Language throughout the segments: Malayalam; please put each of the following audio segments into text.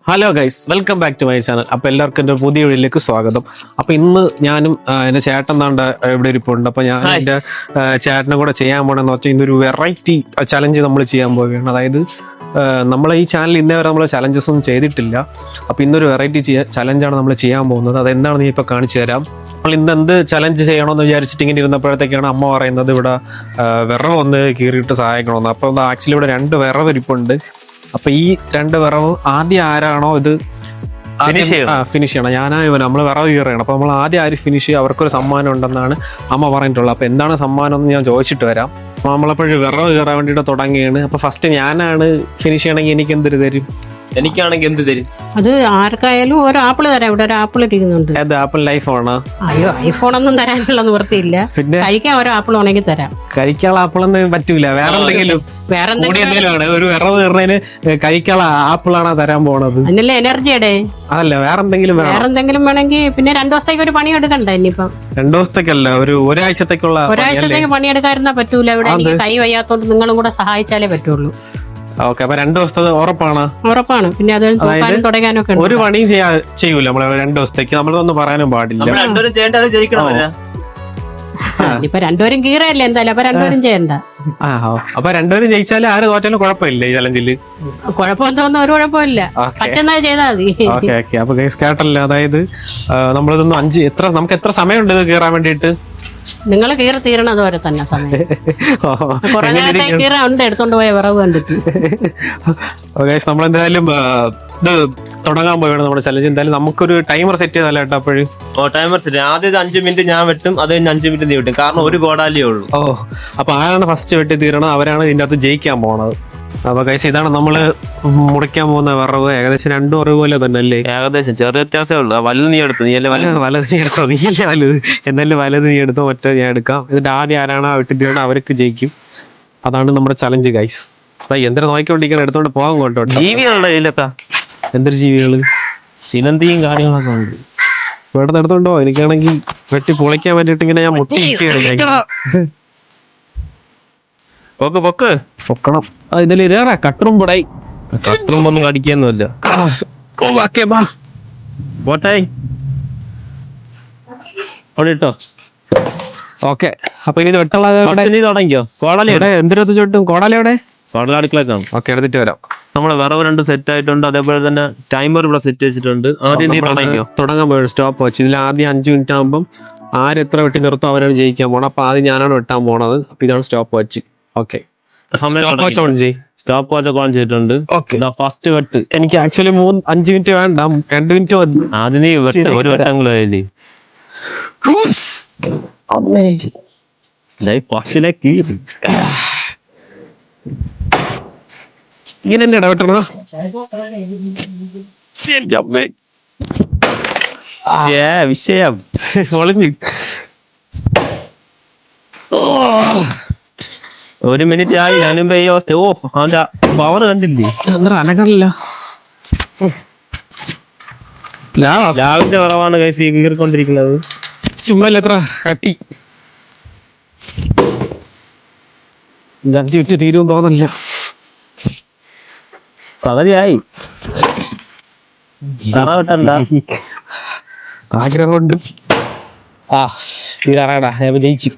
Hello guys, welcome back to my channel. അപ്പോൾ എല്ലാവർക്കും എൻ്റെ പുതിയ വീഡിയോയിലേക്ക് സ്വാഗതം. അപ്പോൾ ഇന്ന് ഞാനും എൻ്റെ ചേട്ടൻ താണ്ട ഇവിടെ ഇരിപ്പുണ്ട്. അപ്പോൾ ഞാൻ എൻ്റെ ചേട്ടനും കൂടെ ചെയ്യാൻ പോകണമെന്ന് വെച്ചാൽ ഇന്നൊരു വെറൈറ്റി ചലഞ്ച് നമ്മൾ ചെയ്യാൻ പോവുകയാണ്. അതായത് നമ്മളെ ഈ ചാനൽ ഇന്നേ വരെ നമ്മൾ ചലഞ്ചസ് ഒന്നും ചെയ്തിട്ടില്ല. അപ്പോൾ ഇന്നൊരു വെറൈറ്റി ചലഞ്ചാണ് നമ്മൾ ചെയ്യാൻ പോകുന്നത്. അതെന്താണെന്ന് ഞാൻ ഇപ്പോൾ കാണിച്ചു തരാം. നമ്മൾ ഇന്ന് എന്ത് ചലഞ്ച് ചെയ്യണമെന്ന് വിചാരിച്ചിട്ട് ഇങ്ങനെ ഇരുന്നപ്പോഴത്തേക്കാണ് അമ്മ പറയുന്നത് ഇവിടെ വിറവ് ഒന്ന് കീറിയിട്ട് സഹായിക്കണമെന്ന്. അപ്പോൾ ആക്ച്വലി ഇവിടെ 2 വിറവ് ഇരിപ്പുണ്ട്. അപ്പൊ ഈ 2 വിറവ് ആദ്യം ആരാണോ ഇത് ഫിനിഷ് ചെയ്യണം, ഞാനാണ് നമ്മൾ വിറവ് കീറുകയാണ്. അപ്പൊ നമ്മൾ ആദ്യം ആര് ഫിനിഷ് ചെയ്യുക അവർക്കൊരു സമ്മാനം ഉണ്ടെന്നാണ് അമ്മ പറഞ്ഞിട്ടുള്ളത്. അപ്പൊ എന്താണ് സമ്മാനം എന്ന് ഞാൻ ചോദിച്ചിട്ട് വരാം. അപ്പൊ നമ്മളപ്പോഴും വിറവ് കീറാൻ വേണ്ടിയിട്ട് തുടങ്ങിയാണ്. അപ്പൊ ഫസ്റ്റ് ഞാനാണ് ഫിനിഷ് ചെയ്യണമെങ്കിൽ എനിക്ക് എന്തൊരു തരും? എനിക്കാണെങ്കിൽ എന്ത് തരും? അത് ആർക്കായാലും ഒരു ആപ്പിൾ തരാം. ഇവിടെ ഒരു ആപ്പിൾ ഇരിക്കുന്നുണ്ട്. അത് ആപ്പിൾ ഐഫോണാ? അയ്യോ, ഐഫോണൊന്നും തരാനുള്ള നിവൃത്തിയില്ല. പിന്നെ കഴിക്കാൻ ഒരു ആപ്പിൾ ഉണ്ടെങ്കിൽ തരാം. കഴിക്കാനുള്ള ആപ്പിളൊന്നും പറ്റൂല. വേറെ എന്തെങ്കിലും ആണ് ഒരു വിറവ് കീറുന്നതിന് കഴിക്കാനുള്ള ആപ്പിളാണ് തരാൻ പോണത്. അതിനല്ലേ എനർജിയുടെ. അതല്ല, വേറെ എന്തെങ്കിലും വേണമെങ്കിൽ പിന്നെ 2 ദിവസത്തേക്ക് ഒരു പണി എടുക്കണ്ട. ഇനിയിപ്പം 2 ദിവസത്തേക്കല്ല, ഒരാഴ്ചത്തേക്കുള്ള. ഒരാഴ്ചത്തേക്ക് പണിയെടുക്കാതിരുന്നാ പറ്റൂല. ഇവിടെ എനിക്ക് കൈ വയ്യാത്തോണ്ട് നിങ്ങളും കൂടെ സഹായിച്ചാലേ പറ്റുള്ളൂ. ഓക്കെ, അപ്പൊ 2 ദിവസത്തെ ഉറപ്പാണ്? ഉറപ്പാണ്. പിന്നെ അത് തൂക്കാനും തുടങ്ങാനൊക്കെ ഒരു പണിയും ചെയ്യൂല നമ്മള് 2 ദിവസത്തേക്ക്. നമ്മളൊന്നും പറയാനും പാടില്ല. ഇപ്പൊ 2 പേരും കീറയല്ലേ എന്തായാലും. അപ്പൊ 2 പേരും ചെയ്യണ്ട. അപ്പൊ 2 പേരും ജയിച്ചാലും ആര് തോറ്റാലും കുഴപ്പമില്ല ഈ ചലഞ്ചില്. കുഴപ്പമൊന്നും ഒരു കുഴപ്പമില്ല. പറ്റുന്നത് ചെയ്താൽ മതി. Okay okay. അപ്പൊ ഗൈസ് കേട്ടല്ലോ, അതായത് നമ്മളിതൊന്നും നമുക്ക് എത്ര സമയമുണ്ട് ഇത് കീറാൻ വേണ്ടിയിട്ട്? നിങ്ങൾ കീറി തീരണത് വരെ തന്നെ സമയം. കുറെ നേരത്തെ കീറാ ഉണ്ട് എടുത്തോണ്ട് പോയ വിറവ് കണ്ടിട്ട്. നമ്മളെന്തായാലും ഇത് തുടങ്ങാൻ പോയാണ് നമ്മുടെ ചലഞ്ച്. എന്തായാലും നമുക്കൊരു ടൈമർ സെറ്റ് ചെയ്തല്ല കേട്ടോ. അപ്പോഴും ടൈമർ സെറ്റ് ആദ്യം 5 മിനിറ്റ് ഞാൻ വെട്ടും, അത് കഴിഞ്ഞ് 5 മിനിറ്റ് നീ വെട്ടും. കാരണം ഒരു ഗോഡാലിയേ ഉള്ളൂ. അപ്പൊ ആരാണ് ഫസ്റ്റ് വെട്ടി തീരണം അവരാണ് ഇതിന്റെ അകത്ത് ജയിക്കാൻ പോണത്. അപ്പൊ ഗൈസ് ഇതാണ് നമ്മള് മുറിക്കാൻ പോകുന്ന വിറവ്. ഏകദേശം 2 വിറവ് പോലെ തന്നെ അല്ലേ? ഏകദേശം ചെറിയ വ്യത്യാസമേ ഉള്ളൂ. വലുത് നീ എടുത്തു. വലത് നീ എടുത്തോ? നീയല്ലേ വലുത്. എന്നാലും വലത് നീ എടുത്തോ, മറ്റേ ഞാൻ എടുക്കാം. ഇതിന്റെ ആദ്യം ആരാണോ വെട്ടിത്തീരണം അവർക്ക് ജയിക്കും. അതാണ് നമ്മുടെ ചലഞ്ച് ഗൈസ്. എന്തിനാ നോക്കിക്കൊണ്ടിരിക്കണം, എടുത്തോണ്ട് പോകാൻ കൊണ്ടോ. ജീവികളുടെ കയ്യിലൊക്കെ എന്തൊരു ജീവികള്? ചിലന്തിയും കാര്യങ്ങളൊക്കെ ഉണ്ട്. ഇവിടെ എടുത്തോണ്ടോ. എനിക്കാണെങ്കിൽ വെട്ടി പൊളിക്കാൻ വേണ്ടിട്ട് ഇങ്ങനെ ഞാൻ പൊക്കണം. ഇതിൽ കട്ടറും പൊടായി. കട്ടറുമ്പൊന്നും കടിക്കൊന്നുമില്ല. പോട്ടായി ട്ടോ. ഓക്കെ, അപ്പൊ ഇനി വെട്ടുള്ള നീ തുടങ്ങിയോ? കോടാലിയുടെ എന്തിനകത്ത് ചുട്ടും? കോടാലിയുടെ അടുക്കളക്കാണ്. ഓക്കെ, എടുത്തിട്ട് വരാം. നമ്മളെ വിറവ് 2 സെറ്റ് ആയിട്ടുണ്ട്. അതേപോലെ തന്നെ ടൈമർ ഇവിടെ സെറ്റ് വെച്ചിട്ടുണ്ട്. ആദ്യം നീ തുടങ്ങിയോ? തുടങ്ങാൻ പോയത് സ്റ്റോപ്പ് വാച്ച്. ഇതിൽ ആദ്യം 5 മിനിറ്റ് ആകുമ്പോൾ ആരെത്ര വെട്ടി നിർത്തും അവരാണ് ജയിക്കാൻ പോണത്. അപ്പൊ ആദ്യം ഞാനാണ് വെട്ടാൻ പോണത്. അപ്പൊ ഇതാണ് stopwatch. Okay, stopwatch on ചെയ്തിട്ടുണ്ട്. ഫസ്റ്റ് വെട്ട്. എനിക്ക് ആക്ച്വലി 5 മിനിറ്റ് വേണ്ട, 2 മിനിറ്റ് മതി. ആദ്യം നീ വെട്ട്. ഒരു വെട്ടങ്ങളെ ഇങ്ങനെ തന്നെ ഇടപെട്ടണോ? വിഷയം ഒളിഞ്ഞ് 1 മിനിറ്റ് ആയി. ഞാനും അവന്റെ പവർ കണ്ടില്ലേ? അനകളില്ല. ലാവിന്റെ കുറവാണ് കൈസ് കീറിക്കൊണ്ടിരിക്കുന്നത്. ചുമ്മാ എത്ര കട്ടി. 5 മിനിറ്റ് തീരും തോന്നില്ല. പകുതിയായി. ആഗ്രഹമുണ്ട്. തീരാറാടാ, ജയിച്ചു.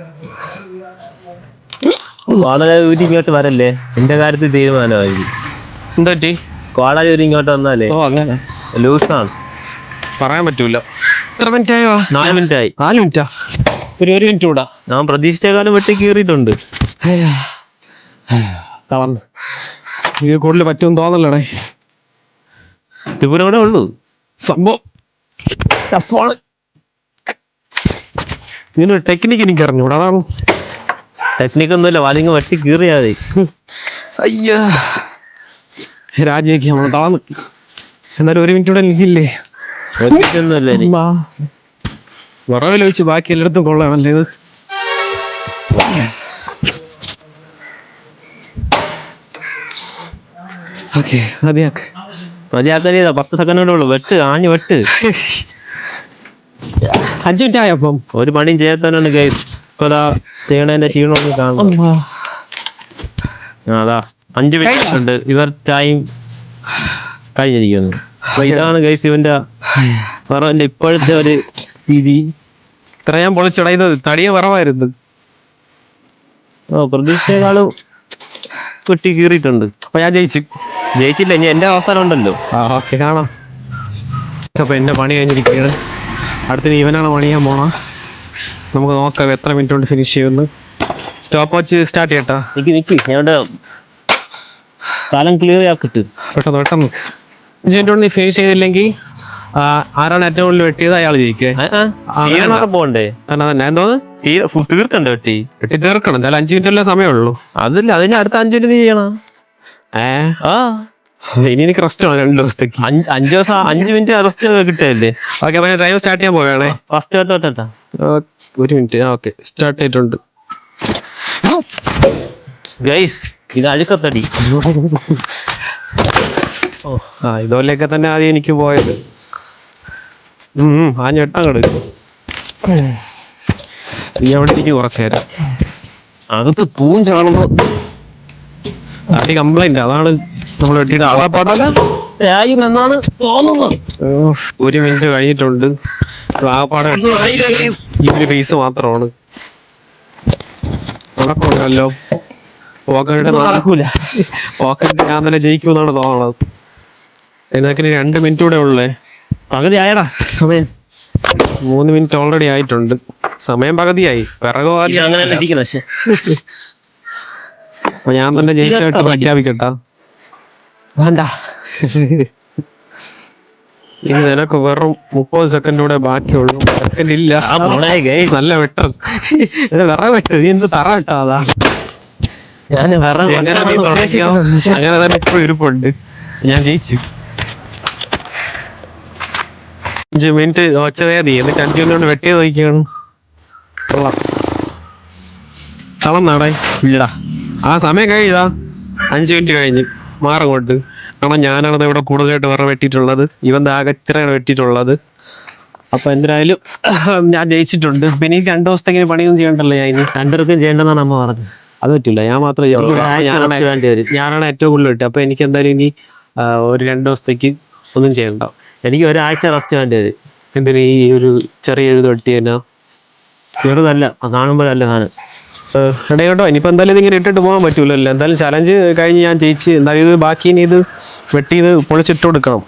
കോടാലി ഊരി ഇങ്ങോട്ട് വരല്ലേ, എന്റെ കാര്യത്തിൽ തീരുമാനമായി. എന്താ പറ്റി? കോടാലി ഊരി ഇങ്ങോട്ട് വന്നാലേ അങ്ങനെ ലൂസാണ്, പറയാൻ പറ്റൂല. എത്ര മിനിറ്റ് ആയോ? 4 മിനിറ്റ് ആയി. 4 മിനിറ്റാ? ഒരു മിനിറ്റ് കൂടാ. ഞാൻ പ്രതീക്ഷിച്ചേക്കാളും വെട്ടി കീറിയിട്ടുണ്ട്. ഇത് കൂടുതൽ പറ്റുമെന്ന് തോന്നല്ലടേ. ഇതുപോലെ കൂടെ ഉള്ളൂ സംഭവം. ഇതിനൊരു ടെക്നിക്ക് എനിക്ക് അറിഞ്ഞൂടാ. അതാണ് ടെക്നിക്ക് ഒന്നുമില്ല. വലിങ്ങ് വെട്ടി കീറിയാതെ. അയ്യ, രാജിയൊക്കെ നമ്മൾ താന്ന്. എന്നാലും 1 മിനിറ്റ് കൂടെ എനിക്കില്ലേ? വിറവിൽ വെച്ച് ബാക്കി എല്ലായിടത്തും കൊള്ളാമല്ലേ ഇത്. ഓക്കെ, മതിയാക്ക. 10 സെക്കൻഡ് ഉള്ളൂ. വെട്ട്, ആഞ്ഞ് വെട്ട്. 5 മിനിറ്റ് ആയപ്പം ഒരു പണിയും ചെയ്യാത്തവനാണ് ഗൈസ്. ഇപ്പൊ ചെയ്യണതിന്റെ ക്ഷീണമൊന്നും കാണും. അതാ 5 മിനിറ്റ് ഉണ്ട്. ഇവർ ടൈം കഴിഞ്ഞിരിക്കുന്നു. അപ്പൊ ഇതാണ് ഗൈസ് ഇവന്റെ വറവന്റെ ഇപ്പോഴത്തെ ഒരു രീതി. ഇത്ര ഞാൻ പൊളിച്ചടാ, ഇത് തടിയ കുറവായിരുന്നു. പ്രതീക്ഷയെക്കാളും കുട്ടി കീറിയിട്ടുണ്ട്. അപ്പൊ ഞാൻ ജയിച്ചില്ല, ഇനി എന്റെ അവസാനം ഉണ്ടല്ലോ. ഓക്കെ കാണാം. അപ്പൊ എന്റെ പണി കഴിഞ്ഞിരിക്കുകയാണ്. അടുത്തിന് ഇവനാണ് പണിയാൻ പോണ. നമുക്ക് നോക്കാം എത്ര മിനിറ്റ് കൊണ്ട് ഫിനിഷ് ചെയ്യുമെന്ന്. സ്റ്റോപ്പ് വാച്ച് സ്റ്റാർട്ട് ചെയ്യട്ടാ. നിക്ക് ഞങ്ങളുടെ കാലം ക്ലിയർ ആക്കിട്ട് പെട്ടെന്ന് 5 മിനിറ്റ് കൊണ്ട് നീ ഫിനിഷ് ചെയ്തില്ലെങ്കിൽ ആരാണ് ഏറ്റവും കൂടുതൽ വെട്ടിയത് അയാൾ ജയിക്കേ. പോണ്ടേ തന്നെ എന്തോന്ന് തീർക്കണ്ടേ വെട്ടി തീർക്കണം. എന്തായാലും 5 മിനിറ്റല്ലേ സമയമുള്ളൂ. അതില്ല, അതിന് അടുത്ത 5 മിനിറ്റ് നീ ചെയ്യണം. ഇനി എനിക്ക് റെസ്റ്റ് ആണ് 2 ദിവസത്തേക്ക്. 5 ദിവസം 5 മിനിറ്റ് റെസ്റ്റ് കിട്ടിയല്ലേ. ഓക്കെ, അപ്പൊ ഞാൻ ഡ്രൈവ് സ്റ്റാർട്ട് ചെയ്യാൻ പോവുകയാണേ. First 1 minute. ഓക്കെ, സ്റ്റാർട്ട് ചെയ്തിട്ടുണ്ട്. ഗൈസ് ഇത് അഴുക്കത്തടി. ഇതുപോലെയൊക്കെ തന്നെ ആദ്യം എനിക്ക് പോയത്. ആ ഞെട്ടങ്ങട് ഇനി അവിടെ ഇരിക്കും കുറച്ചു നേരം. അകത്ത് പൂഞ്ചാണെന്നോ അടി കംപ്ലൈന്റ്. അതാണ് നമ്മൾ വെട്ടിയിട്ട് എന്നാണ് തോന്നുന്നത്. 1 മിനിറ്റ് കഴിഞ്ഞിട്ടുണ്ട്. ആകപ്പാടെ ഈ ഒരു പീസ് മാത്രമാണ് നടക്കുമല്ലോ. പോക്കറ്റ് ഞാൻ തന്നെ ജയിക്കുമെന്നാണ് തോന്നണത്. എന്നൊക്കെ 2 മിനിറ്റ് കൂടെ ഉള്ളേ. പകുതി ആയടാ സമയം. 3 മിനിറ്റ് ഓൾറെഡി ആയിട്ടുണ്ട്. സമയം പകുതിയായി. പിറകു അപ്പൊ ഞാൻ തന്നെ ജയിച്ചായിട്ട് പ്രഖ്യാപിക്കട്ടാ. വേണ്ട, ഇനി നിനക്ക് വെറും 30 സെക്കൻഡ് കൂടെ ബാക്കിയുള്ളൂ. സെക്കൻഡ് ഇല്ല. നല്ല വെട്ടം. വിറ വെട്ട്. നീ എന്ത് തറ വെട്ടാ? അതാ ഞാൻ അങ്ങനെ തന്നെ ഇപ്പോഴും ഇരിപ്പുണ്ട്. ഞാൻ ജയിച്ചു. 5 മിനിറ്റ് ഒച്ചതേ നീ. എന്നിട്ട് 5 മിനിറ്റ് കൊണ്ട് വെട്ടിയത് നോക്കിയാണ്. കളം നാടേ ഇല്ലടാ. ആ സമയം കഴിഞ്ഞതാ. 5 മിനിറ്റ് കഴിഞ്ഞ് മാറങ്ങോട്ട്. കാരണം ഞാനാണത് ഇവിടെ കൂടുതലായിട്ട് വേറെ വെട്ടിയിട്ടുള്ളത്. ഇവൻ ആകെ ഇത്രയാണ് വെട്ടിയിട്ടുള്ളത്. അപ്പൊ എന്തായാലും ഞാൻ ജയിച്ചിട്ടുണ്ട്. പിന്നെ എനിക്ക് 2 ദിവസത്തേക്ക് പണിയൊന്നും ചെയ്യണ്ടല്ലോ. ഞാൻ ഇനി 2 പേർക്കും ചെയ്യേണ്ടതാണ് അമ്മ പറഞ്ഞത്. അത് പറ്റില്ല. ഞാൻ മാത്രമേ ഞാനാണ് ഏറ്റവും കൂടുതൽ വെട്ടി. അപ്പൊ എനിക്ക് എന്തായാലും ഇനി ഒരു 2 ദിവസത്തേക്ക് ഒന്നും ചെയ്യണ്ട. എനിക്ക് ഒരാഴ്ച റെസ്റ്റ് വേണ്ടി വരും. എന്തിനാ ഈ ഒരു ചെറിയ ഇത് വെട്ടിയതിനാ? ചെറുതല്ല, കാണുമ്പോഴല്ല സാധനം. ഇടയോട്ടോ. ഇനിയിപ്പോ എന്തായാലും ഇതിങ്ങനെ ഇട്ടിട്ട് പോകാൻ പറ്റൂലല്ലോ. എന്തായാലും ചലഞ്ച് കഴിഞ്ഞ് ഞാൻ ജയിച്ച്. എന്തായാലും ഇത് ബാക്കി ഇനി ഇത് വെട്ടി ഇത് പൊളിച്ചിട്ട് കൊടുക്കണം.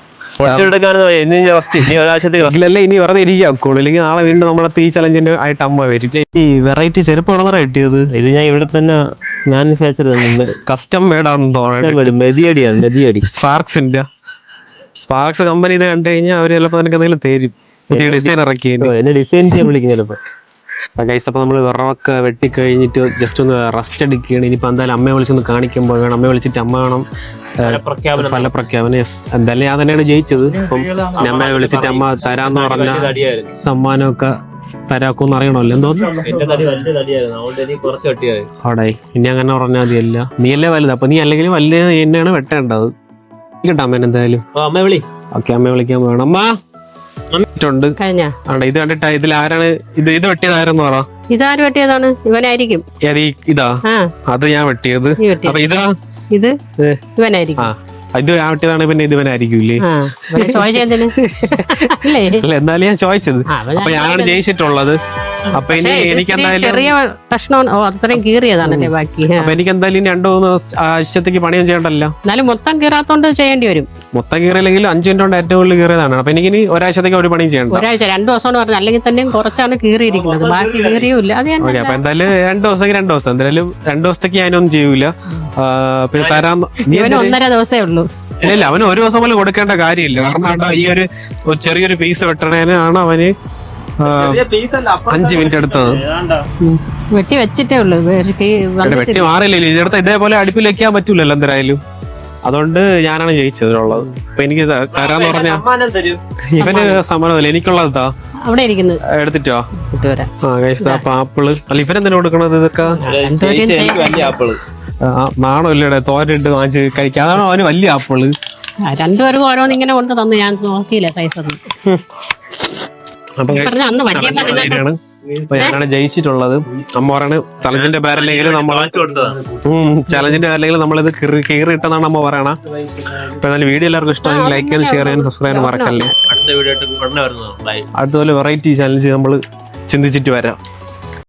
ഇല്ലല്ലേ ഇനി വെറുതെ ഇരിക്കാക്കോളൂ. ഇല്ലെങ്കിൽ നാളെ വീണ്ടും നമ്മളെ ഈ ചലഞ്ചിന്റെ ആയിട്ട് അമ്മ വരും. ഈ വെറൈറ്റി ചെരുപ്പാണെന്നാ കിട്ടിയത്. ഇത് ഞാൻ ഇവിടെ തന്നെ മാനുഫാക്ചർ കസ്റ്റം മേഡാണെന്ന് തോന്നുന്നു. മെതിയടി സ്പാർക്സിന്റെ സ്പാർക്സ് കമ്പനി ഇത് കണ്ടു കഴിഞ്ഞാൽ അവര് ചിലപ്പോ നിനക്ക് എന്തെങ്കിലും തരും. പുതിയ ഡിസൈൻ ഇറക്കി എന്നെ ഡിസൈൻ ചെയ്യാൻ വിളിക്കും ചിലപ്പോ. അപ്പൊ നമ്മള് വിറവൊക്കെ വെട്ടിക്കഴിഞ്ഞിട്ട് ജസ്റ്റ് ഒന്ന് റെസ്റ്റ് എടുക്കുകയാണ്. ഇനിയിപ്പോ എന്തായാലും അമ്മയെ വിളിച്ചൊന്ന് കാണിക്കുമ്പോൾ വേണം. അമ്മയെ വിളിച്ചിട്ട് അമ്മ വേണം ഫലപ്രഖ്യാപനം. യെസ്, എന്തായാലും ഞാൻ തന്നെയാണ് ജയിച്ചത്. അപ്പം അമ്മയെ വിളിച്ചിട്ട് അമ്മ തരാന്ന് പറഞ്ഞ സമ്മാനമൊക്കെ തരാക്കൂന്ന് അറിയണമല്ലോ. എന്തോന്നു അവിടെ ഇനി അങ്ങനെ പറഞ്ഞാൽ മതിയല്ല. നീയല്ലേ വലുത്. അപ്പൊ നീ അല്ലെങ്കിൽ വലുത് തന്നെയാണ് വെട്ടേണ്ടത്. കേട്ടോ അമ്മേനെ എന്തായാലും. ഓക്കെ, അമ്മയെ വിളിക്കാൻ വേണം. അമ്മ ണ്ട് ഇത് കണ്ടിട്ടാ. ഇതിൽ ആരാണ് ഇത് വെട്ടിയത്? ആരെന്ന് പറ. ഇതാര് വെട്ടിയതാണ്? ഇവനായിരിക്കും. ഇതാ അത് ഞാൻ വെട്ടിയത്. അപ്പൊ ഇതാ ഇത് ഇവനായിരിക്കും. ഇത് ഞാൻ വെട്ടിയതാണ്. പിന്നെ ഇത് ഇവനായിരിക്കൂല്ലേ? അല്ല, എന്നാലും ഞാൻ ചോദിച്ചത്. അപ്പൊ ഞാനാണ് ജയിച്ചിട്ടുള്ളത്. അപ്പൊ ഇനി എനിക്ക് എന്തായാലും ചെറിയ പ്രശ്നം അത്രയും കീറിയതാണല്ലേ ബാക്കി. അപ്പൊ എനിക്ക് എന്തായാലും 2-3 ആഴ്ചത്തേക്ക് പണിയൊന്നും ചെയ്യണ്ടല്ലോ. എന്നാലും മൊത്തം കീറാത്തോണ്ട് ചെയ്യേണ്ടി വരും. മൊത്തം കീറിയില്ലെങ്കിൽ 5 മിനിറ്റ് കൊണ്ട് ഏറ്റവും കൂടുതൽ കീറിയതാണ്. അപ്പൊ എനിക്ക് ഇനി ഒരാഴ്ചത്തേക്ക് ഒരു പണിയും ചെയ്യണ്ട. ഒരാഴ്ച 2 ദിവസം പറഞ്ഞു. അല്ലെങ്കിൽ തന്നെ കുറച്ചാണ് കീറിയിരിക്കുന്നത്. ബാക്കി കീറിയൂല്ല. അത് ഓക്കെ, അപ്പൊ എന്തായാലും 2 ദിവസത്തേക്ക് 2 ദിവസം. എന്തായാലും 2 ദിവസത്തേക്ക് ഞാനൊന്നും ചെയ്യൂല. പിന്നെ തരാൻ 1.5 ദിവസമേ ഉള്ളൂ. ഇല്ല, അവന് 1 ദിവസം പോലും കൊടുക്കേണ്ട കാര്യമില്ല. കാരണം ഈ ഒരു ചെറിയൊരു പീസ് വെട്ടണേനാണ് അവന് 5 മിനിറ്റ് എടുത്തത്. വെട്ടി വെച്ചിട്ടേ ഉള്ളൂ. വെട്ടി മാറില്ലല്ലോ. ഇതിനടുത്ത് ഇതേപോലെ അടുപ്പിൽ വെക്കാൻ പറ്റൂലല്ലോ എന്തായാലും. അതുകൊണ്ട് ഞാനാണ് ജയിച്ചതിനുള്ളത്. അപ്പൊ എനിക്ക് തരാന്ന് പറഞ്ഞാ ഇവന് സമ്മാനമല്ല, എനിക്കുള്ളതാ അവിടെ ഇരിക്കുന്നത്. എടുത്തിട്ടോ? ആപ്പിള് അല്ല, ഇവനെന്തിനാ കൊടുക്കണത്? ഇതൊക്കെ നാണോ ഇല്ലടെ തോരട്ട് വാങ്ങിച്ച് കഴിക്കാം. അതാണോ അവന് വലിയ ആപ്പിള്? 2 പേർക്കും ഓരോന്ന് ഇങ്ങനെ കൊണ്ട് തന്നു. ഞാൻ നോക്കിയില്ല സൈസ് ഒന്നും. അപ്പൊ ഞാനാണ് ജയിച്ചിട്ടുള്ളത്. അമ്മ പറയണ ചലഞ്ചിന്റെ പേരല്ലെങ്കിൽ നമ്മൾ ചലഞ്ചിന്റെ പേരല്ലെങ്കിൽ നമ്മളിത് കീറി ഇട്ടെന്നാണ് അമ്മ പറയണ. അപ്പൊ എന്നാലും വീഡിയോ എല്ലാവർക്കും ഇഷ്ടമാണെങ്കിൽ ലൈക്ക് ചെയ്യാനും ഷെയർ ചെയ്യാനും സബ്സ്ക്രൈബ് ചെയ്യാനും മറക്കല്ലേ. അടുത്ത വീഡിയോ ആയിട്ട് ഉടനെ വരുന്നതാണ്. ബൈ. അതുപോലെ വെറൈറ്റി ചലഞ്ച് നമ്മൾ ചിന്തിച്ചിട്ട് വരാം.